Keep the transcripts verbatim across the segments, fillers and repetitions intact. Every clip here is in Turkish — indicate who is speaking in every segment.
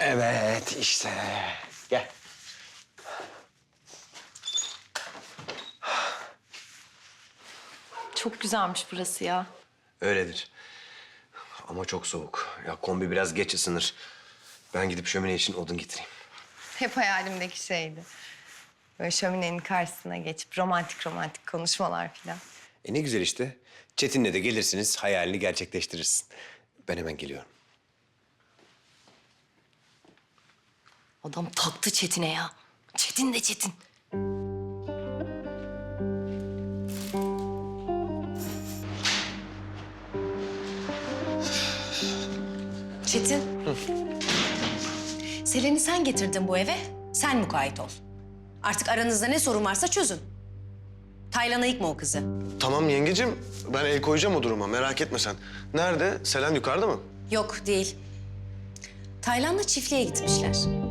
Speaker 1: Evet işte. Gel.
Speaker 2: Çok güzelmiş burası ya.
Speaker 1: Öyledir. Ama çok soğuk. Ya kombi biraz geç ısınır. Ben gidip şömine için odun getireyim.
Speaker 3: Hep hayalimdeki şeydi. Böyle şöminenin karşısına geçip romantik romantik konuşmalar falan.
Speaker 1: E ne güzel işte. Çetin'le de gelirsiniz, hayalini gerçekleştirirsin. Ben hemen geliyorum.
Speaker 2: Adam taktı Çetin'e ya. Çetin de Çetin. Çetin. Selen'i sen getirdin bu eve. Sen mukayyet ol. Artık aranızda ne sorun varsa çözün. Taylan'a yıkma o kızı.
Speaker 4: Tamam yengecim, ben el koyacağım o duruma. Merak etme sen. Nerede? Selen yukarıda mı?
Speaker 2: Yok değil. Taylan'la çiftliğe gitmişler.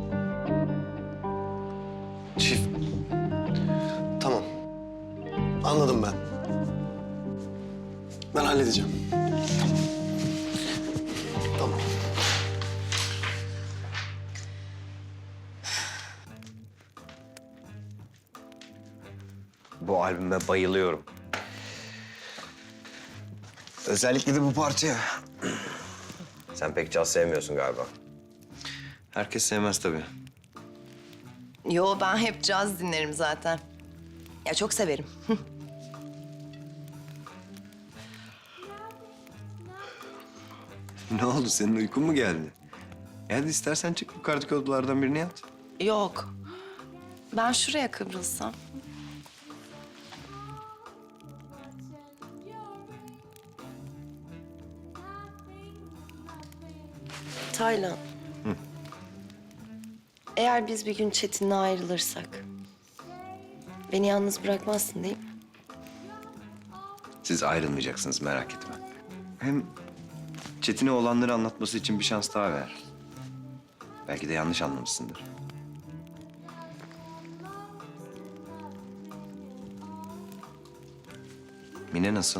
Speaker 4: Çift. Tamam. Anladım ben. Ben halledeceğim. Tamam.
Speaker 1: Bu albüme bayılıyorum. Özellikle de bu parçaya. Sen pek caz sevmiyorsun galiba.
Speaker 4: Herkes sevmez tabii.
Speaker 3: Yo, ben hep caz dinlerim zaten. Ya çok severim.
Speaker 1: Ne oldu? Senin uykun mu geldi? Hadi istersen çık yukarıdaki odalardan birini yat.
Speaker 3: Yok. Ben şuraya kıvrılsam. Taylan. Eğer biz bir gün Çetin'le ayrılırsak... beni yalnız bırakmazsın değil mi?
Speaker 1: Siz ayrılmayacaksınız, merak etme. Hem Çetin'e olanları anlatması için bir şans daha ver. Belki de yanlış anlamışsındır. Mine nasıl?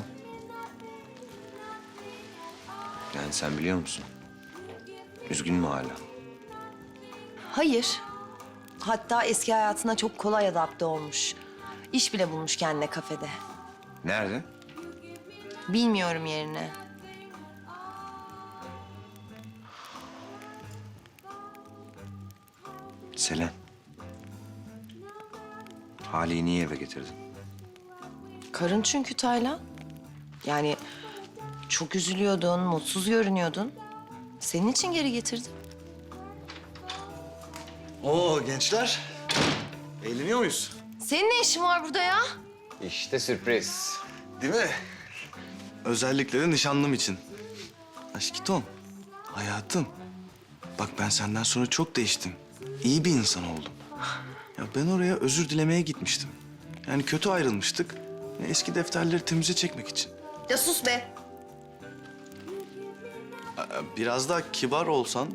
Speaker 1: Yani sen biliyor musun? Üzgün mü hala?
Speaker 3: Hayır. Hatta eski hayatına çok kolay adapte olmuş. İş bile bulmuş kendine kafede.
Speaker 1: Nerede?
Speaker 3: Bilmiyorum yerini.
Speaker 1: Selen. Hale'yi niye eve getirdin?
Speaker 3: Karın çünkü Taylan. Yani çok üzülüyordun, mutsuz görünüyordun. Senin için geri getirdim.
Speaker 4: Oo gençler. Eğleniyor muyuz?
Speaker 3: Senin ne işin var burada ya?
Speaker 1: İşte sürpriz.
Speaker 4: Değil mi? Özellikle de nişanlım için. Aşkiton, hayatım. Bak ben senden sonra çok değiştim. İyi bir insan oldum. Ya ben oraya özür dilemeye gitmiştim. Yani kötü ayrılmıştık. Eski defterleri temize çekmek için.
Speaker 3: Ya sus be.
Speaker 4: Biraz daha kibar olsan...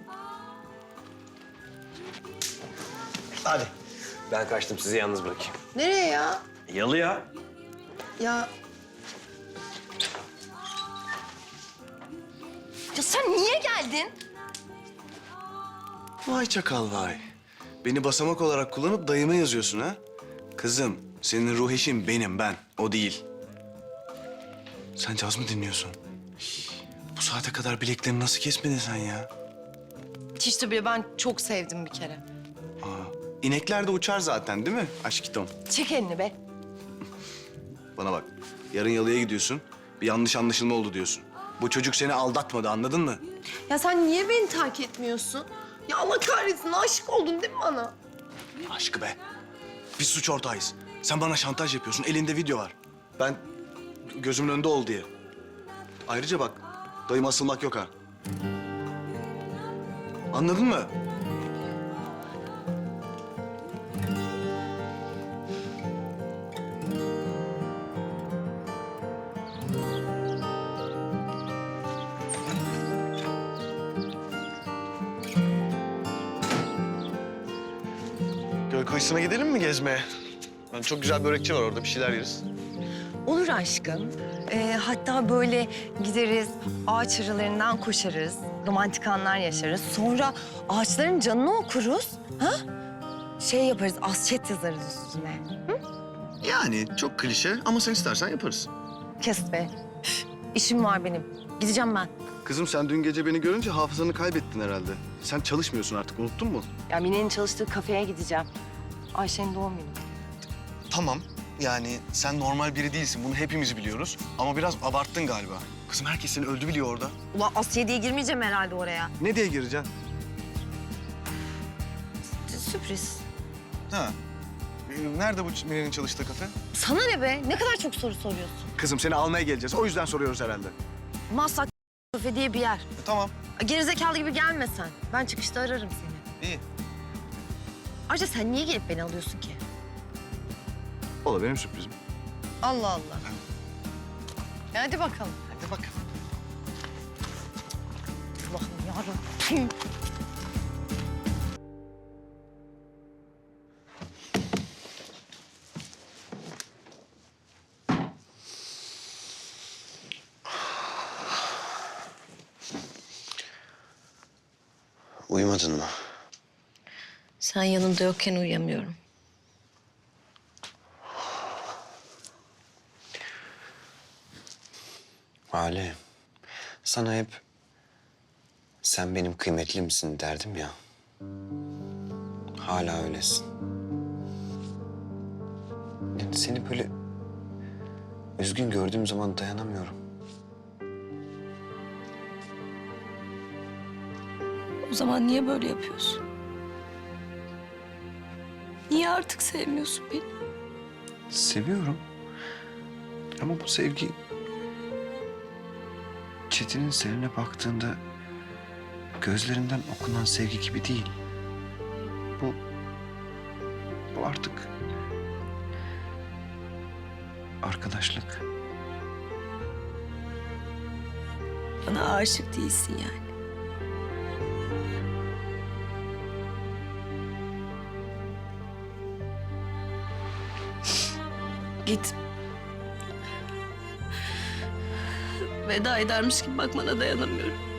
Speaker 1: Hadi. Ben kaçtım, sizi yalnız bırakayım.
Speaker 3: Nereye ya?
Speaker 1: Yalıya.
Speaker 3: Ya... Ya sen niye geldin?
Speaker 4: Vay çakal vay. Beni basamak olarak kullanıp dayıma yazıyorsun ha? Kızım, senin ruh eşin benim, ben. O değil. Sen caz mı dinliyorsun? Hii, bu saate kadar bileklerini nasıl kesmedin sen ya?
Speaker 3: Hiç de bile ben çok sevdim bir kere.
Speaker 4: Aa, inekler de uçar zaten değil mi aşkitom?
Speaker 3: Çek elini be.
Speaker 4: Bana bak, yarın yalıya gidiyorsun. Bir yanlış anlaşılma oldu diyorsun. Bu çocuk seni aldatmadı, anladın mı?
Speaker 3: Ya sen niye beni terk etmiyorsun? Ya Allah kahretsin, aşık oldun değil mi bana?
Speaker 4: Aşkı be. Biz suç ortağıyız. Sen bana şantaj yapıyorsun, elinde video var. Ben gözümün önünde ol diye. Ayrıca bak, dayıma asılmak yok ha. Anladın mı? Göl kıyısına gidelim mi gezmeye? Yani çok güzel börekçi var orada, bir şeyler yeriz.
Speaker 3: Olur aşkım. Ee, hatta böyle gideriz, ağaç aralarından koşarız. romantik anlar yaşarız. Sonra ağaçların canını okuruz. Ha? Şey yaparız, asçet yazarız üstüne.
Speaker 4: Yani çok klişe ama sen istersen yaparız.
Speaker 3: Kes be. Üf, İşim var benim. Gideceğim ben.
Speaker 4: Kızım sen dün gece beni görünce hafızanı kaybettin herhalde. Sen çalışmıyorsun artık, unuttun mu?
Speaker 3: Ya Mine'nin çalıştığı kafeye gideceğim. Ayşe'nin doğum günü.
Speaker 4: Tamam. Yani sen normal biri değilsin. Bunu hepimiz biliyoruz. Ama biraz abarttın galiba. Kızım herkes seni öldü biliyor orada.
Speaker 3: Ulan Asya diye girmeyeceğim herhalde oraya.
Speaker 4: Ne diye gireceksin?
Speaker 3: Sürpriz.
Speaker 4: Ha. Nerede bu Mine'nin çalıştığı kafe?
Speaker 3: Sana ne be? Ne kadar çok soru soruyorsun.
Speaker 4: Kızım seni almaya geleceğiz. O yüzden soruyoruz herhalde.
Speaker 3: Maslak kafe diye bir yer.
Speaker 4: E, tamam.
Speaker 3: Gerizekalı gibi gelme sen. Ben çıkışta ararım seni.
Speaker 4: İyi.
Speaker 3: Ayrıca sen niye gelip beni alıyorsun ki?
Speaker 4: O da benim sürprizim.
Speaker 3: Allah Allah. E hadi bakalım.
Speaker 4: Hadi bak.
Speaker 3: Allah'ım yarabbim.
Speaker 1: Uyumadın mı?
Speaker 2: Sen yanımda yokken uyuyamıyorum.
Speaker 1: Hale, sana hep sen benim kıymetlimsin derdim ya. Hala öylesin. Yani seni böyle üzgün gördüğüm zaman dayanamıyorum.
Speaker 5: O zaman niye böyle yapıyorsun? Niye artık sevmiyorsun beni?
Speaker 1: Seviyorum. Ama bu sevgi Çetin'in seninle baktığında gözlerinden okunan sevgi gibi değil. Bu bu artık arkadaşlık.
Speaker 5: Bana aşık değilsin yani. Git. Veda edermiş gibi bakmana dayanamıyorum.